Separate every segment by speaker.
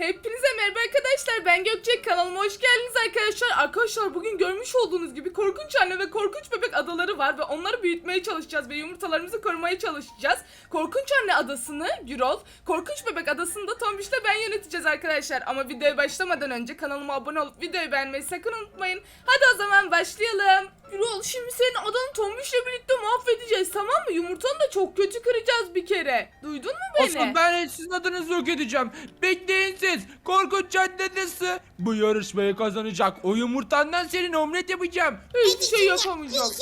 Speaker 1: Hepinize merhaba arkadaşlar, ben Gökçe, kanalıma hoş geldiniz arkadaşlar. Arkadaşlar bugün görmüş olduğunuz gibi korkunç anne ve korkunç bebek adaları var ve onları büyütmeye çalışacağız ve yumurtalarımızı korumaya çalışacağız. Korkunç anne adasını Gürol, korkunç bebek adasını da Tombiş'le ben yöneteceğiz arkadaşlar. Ama videoya başlamadan önce kanalıma abone olup videoyu beğenmeyi sakın unutmayın. Hadi o zaman başlayalım. Gürol, şimdi senin adanı Tombiş'le birlikte mahvedeceğiz, tamam mı? Yumurtanı da çok kötü kıracağız bir kere. Duydun mu beni?
Speaker 2: Asıl ben sizin adınızı yok edeceğim. Bekleyin siz. Korkunç caddesi. Bu yarışmayı kazanacak. O yumurtandan senin omlet yapacağım.
Speaker 1: Hiçbir şey yapamayacaksın.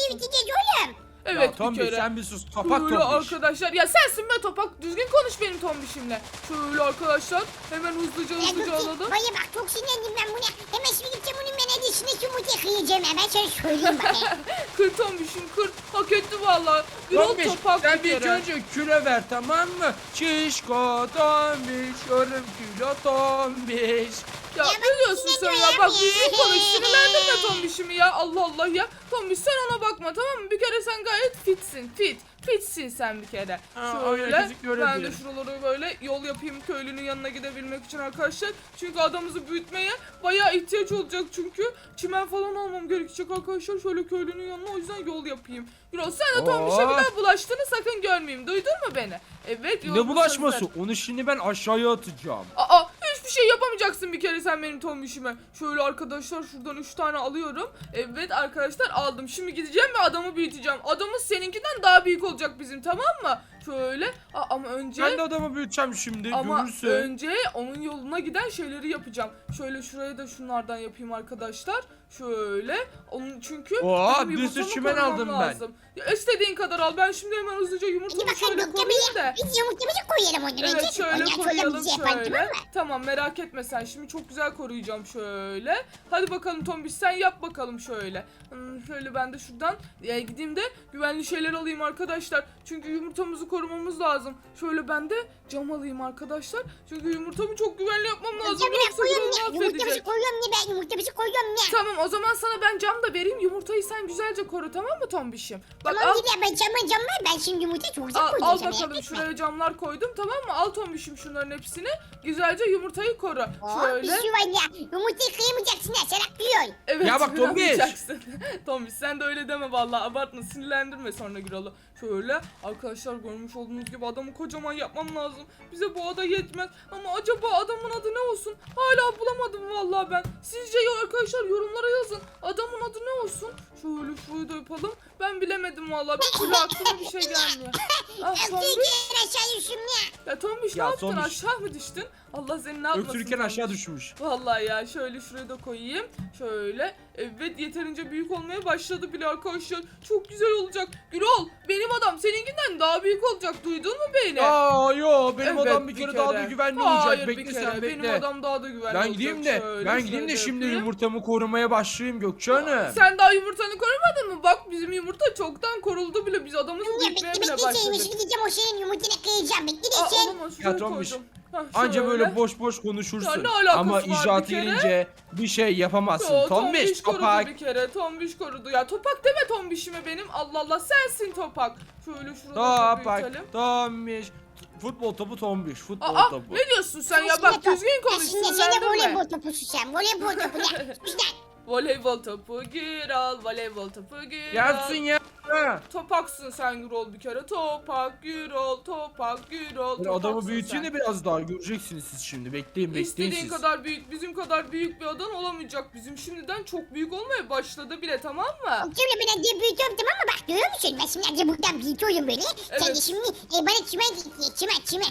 Speaker 1: Evet,
Speaker 2: ya Tombiş,
Speaker 1: bir kere.
Speaker 2: sen bir sus. Topak
Speaker 1: Şöyle
Speaker 2: Tombiş.
Speaker 1: arkadaşlar, ya sensin be Topak, düzgün konuş benim Tombiş'imle. Şöyle arkadaşlar, hemen hızlıca alalım.
Speaker 3: Baya bak, çok sinirlendim ben buna. Hemen şimdi gideceğim bunun ben edişine yumurta kıyacağım. Hemen sana söyleyeyim bakayım.
Speaker 1: Kır Tombiş'im, kır, hak etti valla. Gürol
Speaker 2: Tombiş,
Speaker 1: Topak
Speaker 2: sen
Speaker 1: bir
Speaker 2: bir
Speaker 1: kere.
Speaker 2: önce küre ver, tamam mı? Şişko Tombiş, yarım kilo Tombiş.
Speaker 1: Ya
Speaker 3: Ya
Speaker 1: ne
Speaker 3: bak,
Speaker 1: diyorsun sen ya? Bak düzgün konuş, sinirlendirme Tombiş'imi ya, Allah Allah ya. Tombiş, sen ona bakma, tamam mı? Bir kere sen gayet fitsin, fitsin sen bir kere. Şöyle ben de şuraları böyle yol yapayım köylünün yanına gidebilmek için arkadaşlar. Çünkü adamımızı büyütmeye bayağı ihtiyaç olacak, çünkü çimen falan almam gerekecek arkadaşlar. Şöyle köylünün yanına, o yüzden yol yapayım. Yürü, sen de Tombiş'e bir daha bulaştığını sakın görmeyeyim, duydun mu beni? Evet,
Speaker 2: Ne bulaşması? Onu şimdi ben aşağıya atacağım.
Speaker 1: Aa, hiçbir şey yapamayacaksın bir kere sen benim Tombiş'ime. Şöyle arkadaşlar şuradan 3 tane alıyorum. Evet arkadaşlar, aldım. Şimdi gideceğim ve adamı büyüteceğim. Adamız seninkinden daha büyük olacak bizim, tamam mı? Şöyle ama önce...
Speaker 2: Ben de adamı büyüteceğim şimdi,
Speaker 1: Ama
Speaker 2: görürsün.
Speaker 1: önce onun yoluna giden şeyleri yapacağım. Şöyle şuraya da şunlardan yapayım arkadaşlar. Şöyle. Onun çünkü benim
Speaker 2: bir sürü
Speaker 1: yumurtamı
Speaker 2: çimen
Speaker 1: korumam
Speaker 2: aldım
Speaker 1: lazım. Ya istediğin kadar al. Ben şimdi hemen hızlıca
Speaker 3: Hadi
Speaker 1: yumurtamı
Speaker 3: bakalım
Speaker 1: şöyle
Speaker 3: Gökçe
Speaker 1: koyayım da.
Speaker 3: biz yumurtamızı koyalım ondan önce.
Speaker 1: Evet, şöyle
Speaker 3: Ondan sonra
Speaker 1: koyalım
Speaker 3: bizi yapalım,
Speaker 1: şöyle.
Speaker 3: tamam mı?
Speaker 1: Tamam, merak etme sen. Şimdi çok güzel koruyacağım şöyle. Hadi bakalım Tombiş, sen yap bakalım şöyle. Şöyle ben de şuradan gideyim de güvenli şeyler alayım arkadaşlar. Çünkü yumurtamızı korumamız lazım. Şöyle ben de cam alayım arkadaşlar. Çünkü yumurtamı çok güvenli yapmam lazım.
Speaker 3: Yumurtamızı
Speaker 1: Yoksa
Speaker 3: koyuyorum
Speaker 1: Gürol
Speaker 3: ne? Yumurtamızı
Speaker 1: mahvedecek.
Speaker 3: koyuyorum ne ben? Yumurtamızı koyuyorum ne?
Speaker 1: Tamam, o zaman sana ben cam da vereyim. Yumurtayı sen güzelce koru, tamam mı Tombiş'im? Bak
Speaker 3: Tamam
Speaker 1: al.
Speaker 3: gidelim, ben cam var. Ben şimdi yumurtayı çok güzel
Speaker 1: Al
Speaker 3: koyacağım sana.
Speaker 1: bakalım,
Speaker 3: merak etme.
Speaker 1: şuraya camlar koydum, tamam mı? Al Tombiş'im şunların hepsini. Güzelce yumurtayı koru.
Speaker 3: Bir şey var ya. Yumurtayı kıyamayacaksın ha. Sen atlıyorsun.
Speaker 1: Evet,
Speaker 2: Ya bak Tombiş.
Speaker 1: kıramayacaksın. Tombiş, sen de öyle deme vallahi, abartma, sinirlendirme sonra Gürol'u. Şöyle arkadaşlar, görmüş olduğunuz gibi adamı kocaman yapmam lazım. Bize bu ada yetmez ama acaba adamın adı ne olsun? Hala bulamadım vallahi ben. Sizce ya arkadaşlar, yorumlara yazın. Adamın adı ne olsun? Şöyle şurayı da yapalım. Ben bilemedim vallahi. Bir türlü aklıma bir şey gelmiyor. Ah Tombiş.
Speaker 3: Öptüğün aşağı düştüm ya.
Speaker 1: Ya Tombiş, ne
Speaker 2: Ya
Speaker 1: yaptın?
Speaker 2: Tombiş.
Speaker 1: Aşağı mı düştün? Allah seni ne yapmasın
Speaker 2: Öksürürken
Speaker 1: Tombiş.
Speaker 2: aşağı düşmüş.
Speaker 1: Vallahi ya, şöyle şuraya da koyayım. Şöyle. Evet, yeterince büyük olmaya başladı bile arkadaşlar. Çok güzel olacak. Gürol, benim adam seninkinden daha büyük olacak. Duydun mu beni?
Speaker 2: Yo, benim
Speaker 1: Evet,
Speaker 2: adam bir kere daha da güvenli olacak.
Speaker 1: Hayır,
Speaker 2: Bekle
Speaker 1: bir
Speaker 2: sen,
Speaker 1: kere.
Speaker 2: bekle.
Speaker 1: Benim adam daha da güvenli
Speaker 2: Ben
Speaker 1: olacak.
Speaker 2: gideyim de,
Speaker 1: Şöyle
Speaker 2: şimdi
Speaker 1: yapayım.
Speaker 2: yumurtamı korumaya başlayayım Gökçe Hanım.
Speaker 1: Sen daha yumurtanı korumadın mı? Bak, bizim yumurta çoktan koruldu bile. Biz adamızı
Speaker 3: Ya
Speaker 1: büyütmeye
Speaker 3: bekle
Speaker 1: bile
Speaker 3: bekle seni.
Speaker 1: başladık.
Speaker 3: Şimdi gideceğim o senin yumurtayı kıyacağım. Bekle de
Speaker 1: Aa,
Speaker 3: sen.
Speaker 1: olamaz, şuraya
Speaker 2: Tombiş,
Speaker 1: koydum. Hah,
Speaker 2: Anca
Speaker 1: şöyle.
Speaker 2: böyle boş boş konuşursun.
Speaker 1: Ya ne alakası
Speaker 2: Ama
Speaker 1: var bir
Speaker 2: icraatı
Speaker 1: kere?
Speaker 2: gelince bir şey yapamazsın.
Speaker 1: Yo,
Speaker 2: Tombiş,
Speaker 1: korudu
Speaker 2: topak.
Speaker 1: bir kere. Tombiş korudu. Ya Topak deme Tombiş'ime benim. Allah Allah, sensin Topak. Şöyle şurada büyütelim.
Speaker 2: Topak, Tombiş. Futbol topu Tombiş, futbol
Speaker 1: Aa,
Speaker 2: topu.
Speaker 1: ne diyorsun sen ya? Bak düzgün konuş,
Speaker 3: Şimdi sen de
Speaker 1: sinirlendirme.
Speaker 3: voleybol topusun sen. Voleybol topu ne? Güzel.
Speaker 1: Voleybol topu Gürol, voleybol topu Gürol.
Speaker 2: Gelsin ya.
Speaker 1: Topaksın sen Gürol bir kere. Topak Gürol, Topak Gürol.
Speaker 2: Ben
Speaker 1: topaksın
Speaker 2: adamı büyüteyim
Speaker 1: sen.
Speaker 2: de biraz daha göreceksiniz siz şimdi. Bekleyin
Speaker 1: İstediğin
Speaker 2: siz.
Speaker 1: kadar büyük, bizim kadar büyük bir adan olamayacak. Bizim şimdiden çok büyük olmaya başladı bile, tamam mı?
Speaker 3: Şimdi ben de büyütüyorum, tamam mı? Bak görüyor musun? Ben şimdi önce buradan büyütüyorum böyle. Sen de
Speaker 1: Evet.
Speaker 3: şimdi bana çimen getir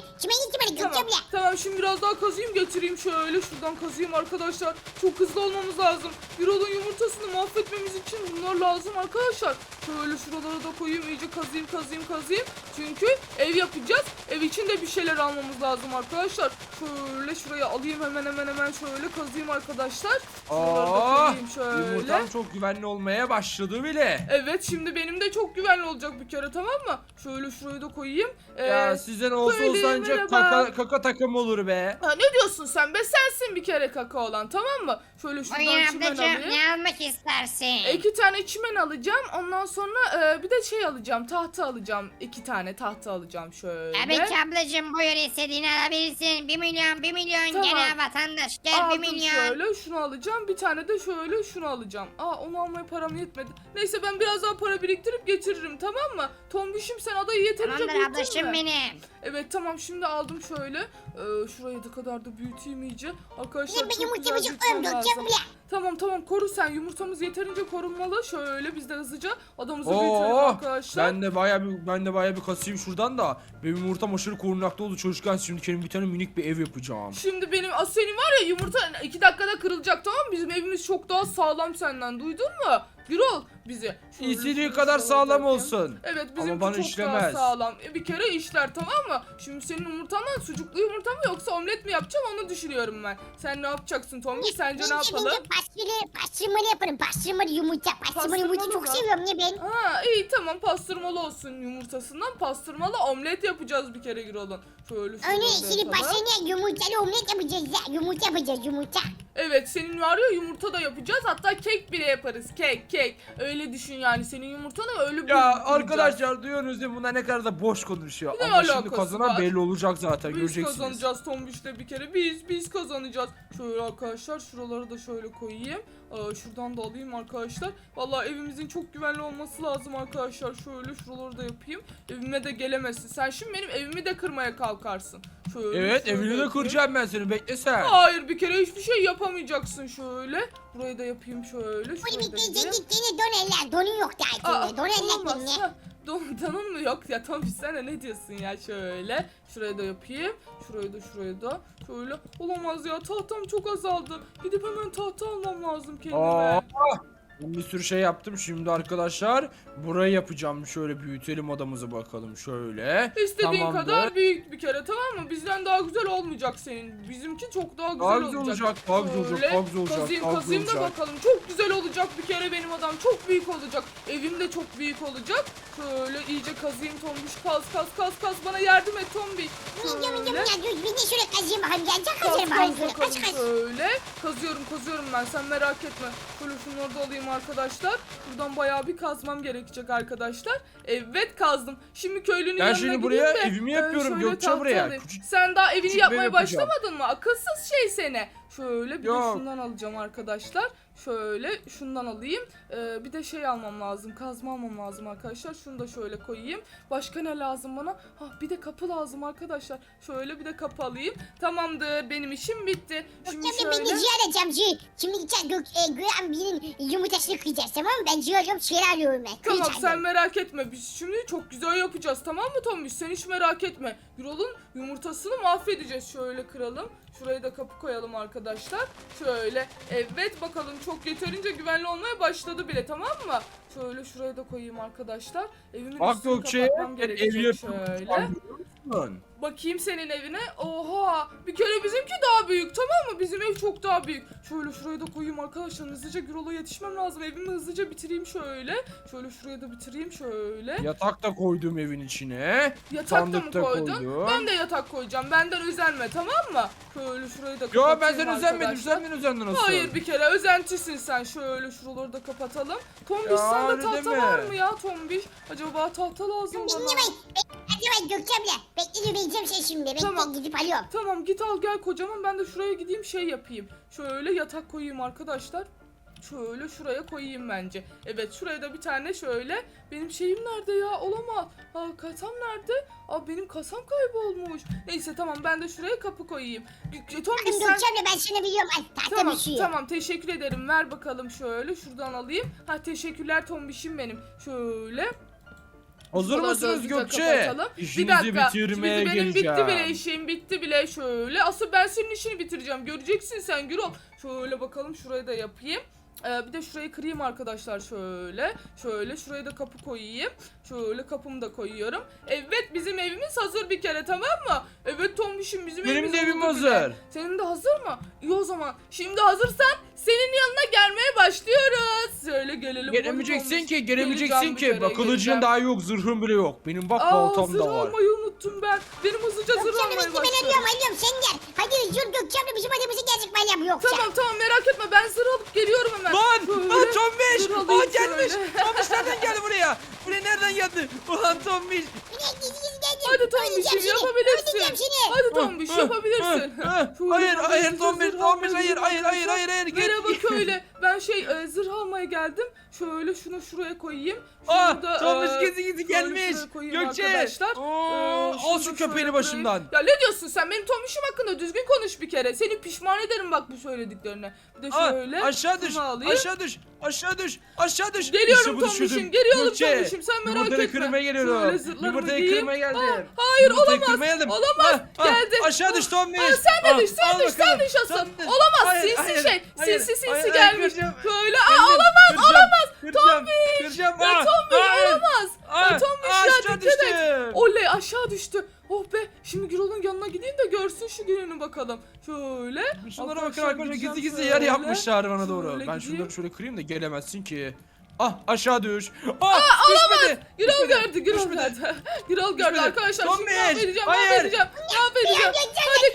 Speaker 3: bana
Speaker 1: Tamam,
Speaker 3: Gökçe abla.
Speaker 1: tamam, şimdi biraz daha kazıyım getireyim, şöyle şuradan kazıyım arkadaşlar. Çok hızlı olmamız lazım. Gürol'un yumurtasını mahvetmemiz için bunlar lazım arkadaşlar. Şöyle şuralara da koyayım, iyice kazıyım. Çünkü ev yapacağız. Ev için de bir şeyler almamız lazım arkadaşlar. Şöyle şuraya alayım hemen şöyle kazıyım arkadaşlar. Şuraları da koyayım şöyle.
Speaker 2: Yumurtam çok güvenli olmaya başladı bile.
Speaker 1: Evet, şimdi benim de çok güvenli olacak bir kere, tamam mı? Şöyle şurayı da koyayım.
Speaker 2: Ya sizden olsa
Speaker 1: söyleyeyim,
Speaker 2: ancak
Speaker 1: merhaba.
Speaker 2: kaka takım olur be.
Speaker 1: Ha, ne diyorsun sen be? Sensin bir kere kaka olan, tamam mı? Şöyle şuradan
Speaker 3: Ay
Speaker 1: çimen
Speaker 3: ablacığım
Speaker 1: alayım.
Speaker 3: Ne almak istersin?
Speaker 1: 2 tane çimen alacağım. Ondan sonra bir de şey alacağım. Tahta alacağım. 2 tane tahta alacağım şöyle.
Speaker 3: Tabii ki ablacığım, buyur, istediğini alabilirsin. 1 milyon, 1 milyon,
Speaker 1: Tamam.
Speaker 3: gel vatandaş, gel 1
Speaker 1: Aldım
Speaker 3: milyon.
Speaker 1: şöyle, şunu alacağım. Bir tane de şöyle şunu alacağım. Onu almaya param yetmedi. Neyse ben biraz daha para biriktirip getiririm, tamam mı? Tombişim, sen adayı yeterince
Speaker 3: Tamamdır
Speaker 1: büyüttün
Speaker 3: ablacığım
Speaker 1: mü?
Speaker 3: benim.
Speaker 1: Evet tamam, şimdi aldım şöyle. Şurayı da kadar da büyüteyim iyice. Arkadaşlar
Speaker 3: Benim
Speaker 1: çok
Speaker 3: yumurtamı
Speaker 1: güzel
Speaker 3: çok koyayım
Speaker 1: büyütmem
Speaker 3: Gökçe
Speaker 1: lazım.
Speaker 3: buraya.
Speaker 1: Tamam koru sen, yumurtamız yeterince korunmalı. Şöyle biz de hızlıca adamımızı büyütelim arkadaşlar.
Speaker 2: Ben de bayağı bir kasayım şuradan da. Benim yumurtam aşırı korunaklı oldu çocukken. Şimdi kendime bir tane minik bir ev yapacağım.
Speaker 1: Şimdi benim senin var ya, yumurta 2 dakikada kırılacak, tamam mı? Bizim evimiz çok daha sağlam senden, duydun mu? Gürol bizi. Şöyle
Speaker 2: İstediği
Speaker 1: şöyle
Speaker 2: kadar
Speaker 1: şöyle
Speaker 2: sağlam
Speaker 1: yapayım.
Speaker 2: olsun.
Speaker 1: Evet
Speaker 2: Ama
Speaker 1: bizimki
Speaker 2: bana
Speaker 1: çok
Speaker 2: işlemez.
Speaker 1: daha sağlam. Bir kere işler, tamam mı? Şimdi senin yumurtandan sucuklu yumurta mı yoksa omlet mi yapacağım, onu düşünüyorum ben. Sen ne yapacaksın Tommy? Sence ne yapalım?
Speaker 3: Pastırmalı yaparım. Pastırmalı yumurta. Pastırmalı yumurta
Speaker 1: Pastırmalı
Speaker 3: çok
Speaker 1: mı?
Speaker 3: seviyorum ya ben.
Speaker 1: Ha iyi tamam, pastırmalı olsun, yumurtasından pastırmalı omlet yapacağız bir kere Gürol'un. Şöyle
Speaker 3: Öyle
Speaker 1: şöyle
Speaker 3: şimdi
Speaker 1: yapalım.
Speaker 3: pastırmalı yumurtalı omlet yapacağız ya. Yumurta yapacağız, yumurta.
Speaker 1: Evet senin var ya, yumurta da yapacağız, hatta kek bile yaparız, kek. Öyle düşün yani, senin yumurtanı öyle
Speaker 2: Ya
Speaker 1: büyüteceğiz.
Speaker 2: arkadaşlar duyuyorsunuz değil mi? Bunlar ne kadar da boş konuşuyor.
Speaker 1: Ne
Speaker 2: Ama şimdi
Speaker 1: alakası
Speaker 2: kazanan
Speaker 1: var?
Speaker 2: belli olacak zaten,
Speaker 1: Biz
Speaker 2: göreceksiniz.
Speaker 1: kazanacağız Tombiş'le bir kere. Biz kazanacağız. Şöyle arkadaşlar, şuraları da şöyle koyayım. Şuradan da alayım arkadaşlar. Vallahi evimizin çok güvenli olması lazım arkadaşlar. Şöyle şuraları da yapayım. Evime de gelemezsin. Sen şimdi benim evimi de kırmaya kalkarsın. Şöyle,
Speaker 2: Evet,
Speaker 1: şöyle
Speaker 2: evini de
Speaker 1: yapayım.
Speaker 2: kıracağım ben seni, bekle sen.
Speaker 1: Hayır, bir kere hiçbir şey yapamayacaksın şöyle. Burayı da yapayım şöyle.
Speaker 3: Bunu
Speaker 1: Şurayı da
Speaker 3: bir
Speaker 1: yapayım.
Speaker 3: gittiğini don eller. Donun yok daha içinde. Don eller
Speaker 1: olmaz.
Speaker 3: benimle.
Speaker 1: Ha, donun mu yok ya Tombiş, sen de ne diyorsun ya, şöyle. Şurayı da yapayım. Şurayı da. Şöyle. Olamaz ya, tahtam çok azaldı. Gidip hemen tahta almam lazım kendime.
Speaker 2: Aa, ben bir sürü şey yaptım şimdi arkadaşlar. Burayı yapacağım. Şöyle büyütelim odamızı bakalım şöyle.
Speaker 1: İstediğin
Speaker 2: Tamamdır.
Speaker 1: kadar büyük bir kere, tamam mı? Bizden daha güzel olmayacak senin. Bizimki çok daha güzel
Speaker 2: Daha
Speaker 1: olacak.
Speaker 2: güzel olacak, daha güzel olacak,
Speaker 1: Şöyle
Speaker 2: daha güzel olacak,
Speaker 1: Kazıyım
Speaker 2: daha güzel
Speaker 1: da
Speaker 2: olacak.
Speaker 1: bakalım. Çok güzel olacak bir kere benim adam. Çok büyük olacak. Evim de çok büyük olacak. Şöyle iyice kazıyım Tombiş. Kaz. Bana yardım et Tombiş.
Speaker 3: Yiyeceğim ya. Dur bir de şöyle kazıyım bakayım. Gelecek
Speaker 1: Kaz
Speaker 3: kazarım bakayım.
Speaker 1: bakalım
Speaker 3: Kaç.
Speaker 1: şöyle. Kazıyorum ben, sen merak etme. Şöyle şunları da alayım arkadaşlar. Buradan bayağı bir kazmam gerekecek arkadaşlar. Evet kazdım. Şimdi köylünün
Speaker 2: Ben
Speaker 1: yanına
Speaker 2: şimdi
Speaker 1: gideyim
Speaker 2: buraya
Speaker 1: de,
Speaker 2: evimi yapıyorum,
Speaker 1: şöyle
Speaker 2: Gökçe
Speaker 1: tahta
Speaker 2: buraya.
Speaker 1: alayım.
Speaker 2: Küçük-
Speaker 1: Sen daha evini
Speaker 2: küçük bir ev
Speaker 1: yapmaya
Speaker 2: yapacağım.
Speaker 1: başlamadın mı? Akılsız şey seni. Şöyle bir de
Speaker 2: Yok.
Speaker 1: şundan alacağım arkadaşlar. Şöyle şundan alayım. Bir de şey almam lazım. Kazma almam lazım arkadaşlar. Şunu da şöyle koyayım. Başka ne lazım bana? Bir de kapı lazım arkadaşlar. Şöyle bir de kapı alayım. Tamamdır. Benim işim bitti. Şimdi
Speaker 3: Gökçemle ben de
Speaker 1: şöyle.
Speaker 3: ciğer alacağım ciğer. Şimdi gideceğiz Güven birinin yumurtasını kıyacağız, tamam mı? Ben ciğer alıyorum, ciğer alıyorum ben.
Speaker 1: Tamam
Speaker 3: Kıyacağım.
Speaker 1: sen merak etme. Biz şimdi çok güzel yapacağız, tamam mı Tombiş? Sen hiç merak etme. Gürol'un yumurtasını mahvedeceğiz. Şöyle kıralım. Şuraya da kapı koyalım arkadaşlar. Şöyle. Evet bakalım, çok yeterince güvenli olmaya başladı bile, tamam mı? Şöyle şuraya da koyayım arkadaşlar. Evimin
Speaker 2: Bak
Speaker 1: üstünü
Speaker 2: Gökçe,
Speaker 1: kapatmam
Speaker 2: ben ev
Speaker 1: gerekecek
Speaker 2: yapıyorum.
Speaker 1: şöyle.
Speaker 2: Şöyle.
Speaker 1: Bakayım senin evine. Oha! Bir kere bizimki daha büyük, tamam mı? Bizim ev çok daha büyük. Şöyle şuraya da koyayım arkadaşlar. Hızlıca Gürol'a yetişmem lazım. Evimi hızlıca bitireyim şöyle. Şöyle şuraya da bitireyim şöyle.
Speaker 2: Yatak da koydum evin içine.
Speaker 1: Yatak da mı
Speaker 2: Sandık da
Speaker 1: koydun?
Speaker 2: koydum.
Speaker 1: Ben de yatak koyacağım. Benden özenme, tamam mı? Şöyle şurayı da
Speaker 2: Yo
Speaker 1: kapatayım
Speaker 2: ben seni özenmedim,
Speaker 1: arkadaşlar.
Speaker 2: sen beni özendin nasıl?
Speaker 1: Hayır, bir kere özentisin sen. Şöyle şuraları da kapatalım. Tombiş,
Speaker 2: Ya,
Speaker 1: sende
Speaker 2: öyle
Speaker 1: tahta
Speaker 2: deme.
Speaker 1: var mı ya Tombiş? Acaba tahta lazım bana.
Speaker 3: Dinlemeyin. Hadi Gökçemle. Bekle vereceğim şey şimdi. Bekle
Speaker 1: Tamam.
Speaker 3: gidip alıyorum.
Speaker 1: Tamam git al gel kocaman, ben de şuraya gideyim şey yapayım. Şöyle yatak koyayım arkadaşlar. Şöyle şuraya koyayım bence. Evet şuraya da bir tane şöyle. Benim şeyim nerede ya? Olamaz. Kasam nerede? Benim kasam kaybolmuş. Neyse tamam, ben de şuraya kapı koyayım. Tombiş
Speaker 3: Bakın
Speaker 1: sen...
Speaker 3: Gökçemle ben sana biliyorum. Ay tahta
Speaker 1: Tamam
Speaker 3: düşüyor.
Speaker 1: tamam, teşekkür ederim. Ver bakalım şöyle, şuradan alayım. Teşekkürler Tombiş'im benim. Şöyle.
Speaker 2: Hazır
Speaker 1: Şuraları da
Speaker 2: mısınız
Speaker 1: hızlıca
Speaker 2: Gökçe?
Speaker 1: kapatalım.
Speaker 2: İşinizi bitirmeye
Speaker 1: benim
Speaker 2: geleceğim.
Speaker 1: bitti bile işim, bitti bile şöyle. Asıl ben senin işini bitireceğim. Göreceksin sen Gürol. Şöyle bakalım, şurayı da yapayım. Bir de şurayı kırayım arkadaşlar şöyle. Şöyle şuraya da kapı koyayım. Şöyle kapımı da koyuyorum. Evet bizim evimiz hazır bir kere, tamam mı? Evet Tombiş'im, bizim
Speaker 2: Benim
Speaker 1: evimiz
Speaker 2: de evim
Speaker 1: oldu bile.
Speaker 2: hazır.
Speaker 1: Senin de hazır mı? İyi o zaman. Şimdi hazırsan senin yanına gelmeye başlıyoruz. Şöyle gelelim.
Speaker 2: Gelemeyeceksin
Speaker 1: Tombiş.
Speaker 2: ki, gelemeyeceksin
Speaker 1: Geleceğim bir
Speaker 2: ki.
Speaker 1: kere,
Speaker 2: Bak kılıcın
Speaker 1: geleceğim.
Speaker 2: daha yok, zırhın bile yok. Benim bak baltam
Speaker 1: Zırh
Speaker 2: da var.
Speaker 1: almayı unuttum ben. Benim hızlıca zırh
Speaker 3: Gökçemle
Speaker 1: almaya
Speaker 3: bekle ben
Speaker 1: başlıyorum.
Speaker 3: alıyorum sen gel. Hadi Gökçemle bizim adamımızı gelecek ben yoksa.
Speaker 1: Tamam merak etme ben zırh alıp geliyorum hemen.
Speaker 2: Lan
Speaker 1: Şöyle
Speaker 2: Tombiş.
Speaker 1: zırh alayım
Speaker 2: Aa gelmiş.
Speaker 1: şöyle.
Speaker 2: Tombiş nereden geldi buraya? Buraya nereden geldi? Ulan Tombiş.
Speaker 3: Buraya gizli geldim.
Speaker 1: Hadi Tombiş'im yapabilirsin.
Speaker 3: Öldüreceğim seni.
Speaker 1: Hadi Tombiş yapabilirsin. Şöyle
Speaker 2: Hayır
Speaker 1: ben de
Speaker 2: Tombiş
Speaker 1: zırh
Speaker 2: Tombiş
Speaker 1: almaya
Speaker 2: hayır
Speaker 1: gidiyorum
Speaker 2: hayır
Speaker 1: arkadaşlar.
Speaker 2: git.
Speaker 1: Merhaba köylü. Ben zırh almaya geldim. Şöyle şunu şuraya koyayım.
Speaker 2: Aa
Speaker 1: Şunu da,
Speaker 2: Tombiş
Speaker 1: şöyle
Speaker 2: gizli gelmiş.
Speaker 1: şuraya koyayım
Speaker 2: Gökçe.
Speaker 1: arkadaşlar.
Speaker 2: Oo,
Speaker 1: Şunu
Speaker 2: al
Speaker 1: da
Speaker 2: şu
Speaker 1: şöyle
Speaker 2: köpeğini
Speaker 1: koyayım.
Speaker 2: başımdan.
Speaker 1: Ya ne diyorsun sen benim Tombiş'im hakkında düzgün konuş bir kere. Seni pişman ederim bak bu söylediklerine. Bir de
Speaker 2: Aa,
Speaker 1: şöyle.
Speaker 2: aşağı düş.
Speaker 1: şunu alayım.
Speaker 2: Aşağı düş.
Speaker 1: Geliyorum
Speaker 2: İşte bu
Speaker 1: Tombiş'im,
Speaker 2: düşürdüm.
Speaker 1: geliyorum
Speaker 2: Gökçe,
Speaker 1: Tombiş'im, sen merak
Speaker 2: yumurtayı
Speaker 1: etme.
Speaker 2: kırmaya
Speaker 1: Şöyle
Speaker 2: geliyorum.
Speaker 1: zırhlarımı
Speaker 2: Yumurtayı
Speaker 1: giyeyim.
Speaker 2: kırmaya geldim.
Speaker 1: Hayır
Speaker 2: Yumurtayı
Speaker 1: olamaz.
Speaker 2: kırmaya geldim.
Speaker 1: Olamaz. Geldi.
Speaker 2: Aşağı düş Tombiş.
Speaker 1: Sen de düş, sen düş, sen düş asıl. Olamaz,
Speaker 2: Hayır,
Speaker 1: sinsi gelmiş.
Speaker 2: kıracağım.
Speaker 1: Böyle,
Speaker 2: Olamaz.
Speaker 1: Tombiş.
Speaker 2: Kıracağım.
Speaker 1: Ya Tombiş olamaz. Ya Tombiş ya
Speaker 2: aşağı
Speaker 1: dikkat et.
Speaker 2: düştüm.
Speaker 1: Oley aşağı düştü. Oh be şimdi Gürol'un yanına gideyim de görsün şu gününü bakalım. Şöyle.
Speaker 2: Şunlara bakın arkadaşlar
Speaker 1: gideceğim
Speaker 2: gizli
Speaker 1: şöyle.
Speaker 2: yer yapmışlar bana doğru.
Speaker 1: Şöyle
Speaker 2: Ben
Speaker 1: gideyim.
Speaker 2: şunları şöyle kırayım da gelemezsin ki. Ah aşağı düş. Düşmedi.
Speaker 1: Gürol
Speaker 2: Düşmedi.
Speaker 1: gördü, Gürol
Speaker 2: Düşmedi.
Speaker 1: gördü. Gürol gördü
Speaker 2: Düşmedi.
Speaker 1: arkadaşlar. Şimdi
Speaker 2: Tombiş,
Speaker 1: mahvedeceğim,
Speaker 2: hayır.
Speaker 1: mahvedeceğim.
Speaker 3: Ya,
Speaker 1: Hadi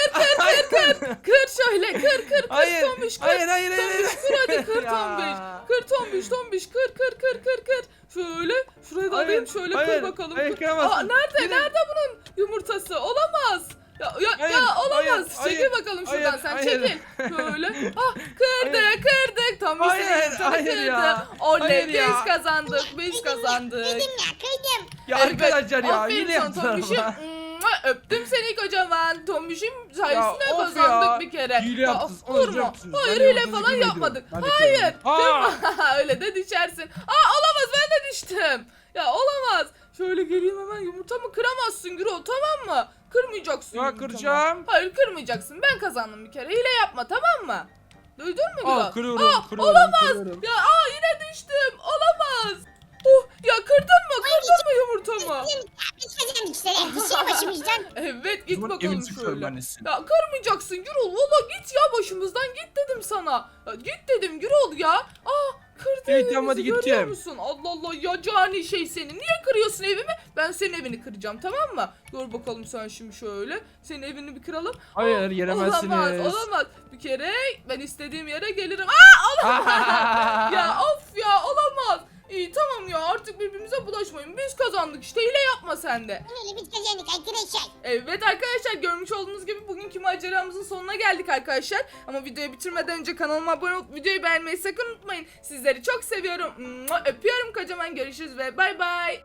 Speaker 1: kır şöyle, kır
Speaker 2: Hayır.
Speaker 1: Tombiş, kır.
Speaker 2: Hayır.
Speaker 1: Tombiş kır hadi kır
Speaker 2: Ya.
Speaker 1: Tombiş. Kır Tombiş kır. Şöyle şuraya da
Speaker 2: Hayır,
Speaker 1: alayım şöyle
Speaker 2: hayır,
Speaker 1: kır bakalım.
Speaker 2: hayır,
Speaker 1: Kır.
Speaker 2: kıramazsın.
Speaker 1: Nerede
Speaker 2: Gidin.
Speaker 1: bunun yumurtası? Olamaz.
Speaker 2: Hayır,
Speaker 1: Olamaz.
Speaker 2: hayır,
Speaker 1: Çekil bakalım şuradan
Speaker 2: hayır,
Speaker 1: sen
Speaker 2: hayır.
Speaker 1: çekil. Şöyle. Kırdık. Tombiş
Speaker 2: Hayır, hayır
Speaker 1: kırdı.
Speaker 2: ya.
Speaker 1: Oley
Speaker 2: Hayır
Speaker 1: biz
Speaker 2: ya.
Speaker 1: kazandık.
Speaker 3: Kırdım ya kırdım.
Speaker 2: Ya
Speaker 1: Evet,
Speaker 2: arkadaşlar ya
Speaker 1: aferin
Speaker 2: yine
Speaker 1: sana
Speaker 2: yaptılar
Speaker 1: Tombiş'im.
Speaker 2: ama.
Speaker 1: Öptüm seni kocaman. Tombiş'im sayesinde
Speaker 2: of
Speaker 1: kazandık
Speaker 2: ya.
Speaker 1: bir kere.
Speaker 2: Hile
Speaker 1: Ya,
Speaker 2: yaptınız,
Speaker 1: Vurma.
Speaker 2: olacaksınız.
Speaker 1: Hayır
Speaker 2: Ben de
Speaker 1: hile
Speaker 2: yumurtayı
Speaker 1: falan
Speaker 2: kırmayı
Speaker 1: yapmadık.
Speaker 2: diyorum. Ben de
Speaker 1: Hayır.
Speaker 2: kırıyorum.
Speaker 1: Kırma. Öyle de düşersin. Olamaz ben de düştüm. Ya olamaz. Şöyle geleyim hemen yumurtamı kıramazsın Gürol tamam mı? Kırmayacaksın
Speaker 2: Ya
Speaker 1: yumurtamı.
Speaker 2: kıracağım.
Speaker 1: Hayır kırmayacaksın. Ben kazandım bir kere. Hile yapma tamam mı? Duydun mu Gürol?
Speaker 2: Kırıyorum.
Speaker 1: Olamaz. Ya yine düştüm. Olamaz. Ya kırdın mı yumurtamı?
Speaker 3: Biz kazandık işte. Gitsene başımızdan.
Speaker 1: Evet git
Speaker 2: Zaman
Speaker 1: bakalım
Speaker 2: evin çıkıyorum
Speaker 1: şöyle.
Speaker 2: annesin.
Speaker 1: Ya kırmayacaksın Gürol. Valla git ya başımızdan git dedim sana. Ya, git dedim Gürol ya. Kırdı
Speaker 2: Evet,
Speaker 1: evimizi
Speaker 2: tamam, hadi
Speaker 1: görüyor
Speaker 2: gideceğim.
Speaker 1: musun? Allah Allah ya cani şey seni. Niye kırıyorsun evimi? Ben senin evini kıracağım tamam mı? Dur bakalım sen şimdi şöyle. Senin evini bir kıralım.
Speaker 2: Hayır gelemezsiniz.
Speaker 1: Olamaz. Bir kere ben istediğim yere gelirim. Ya of ya olamaz. İyi tamam ya artık birbirimize bulaşmayın. Biz kazandık işte hile yapma sen de.
Speaker 3: Öyle biz kazandık arkadaşlar.
Speaker 1: Evet arkadaşlar görmüş olduğunuz gibi bugünkü maceramızın sonuna geldik arkadaşlar. Ama videoyu bitirmeden önce kanalıma abone olup videoyu beğenmeyi sakın unutmayın. Sizleri çok seviyorum. Öpüyorum kocaman görüşürüz ve bay bay.